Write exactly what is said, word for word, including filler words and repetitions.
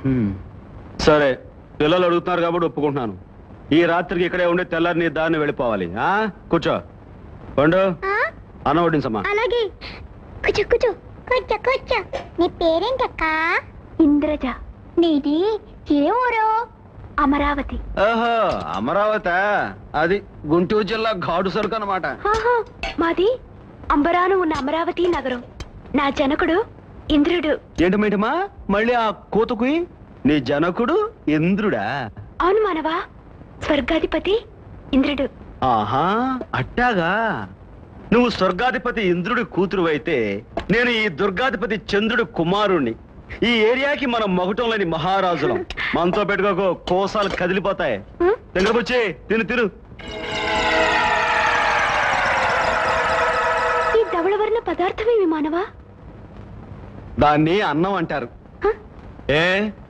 సరే, పిల్లలు అడుగుతున్నారు కాబట్టి ఒప్పుకుంటున్నాను. ఈ రాత్రికి ఇక్కడే ఉండి తెల్లారి నీ దారిని వెళ్ళిపోవాలి. ఆ కూర్చో. పండు అన్న వడ్డించమ్మా. అలాగే. కూర్చో కూర్చో కూర్చో కూర్చో. నీ పేరేంటక్క? ఇంద్రజ. నీది ఏ ఊరు? అమరావతి. ఓహో, అమరావతి. అది గుంటూరు జిల్లా ఘాటు సరుకు అన్నమాట. మాది అంబరాను ఉన్న అమరావతి నగరం. నా జనకుడు ఇంద్రుడు. ఏంటి మేటమా మళ్ళీ ఆ కోతకు? నీ జనకుడు ఇంద్రుడా? అవును మానవా, స్వర్గాధిపతి ఇంద్రుడు. ఆహా, అట్టాగా. నువ్వు స్వర్గాధిపతి ఇంద్రుడి కూతురు అయితే నేను ఈ దుర్గాధిపతి చంద్రుడి కుమారుణ్ణి. ఈ ఏరియాకి మనం మొగటం లేని మహారాజులం. మనతో పెట్టుకోకు, కోసాలు కదిలిపోతాయి. దగ్గరకొచ్చి తిను తిను. ఈ ధవళవర్ణ పదార్థమేమి మానవా? దాన్ని అన్నం అంటారు. ఏ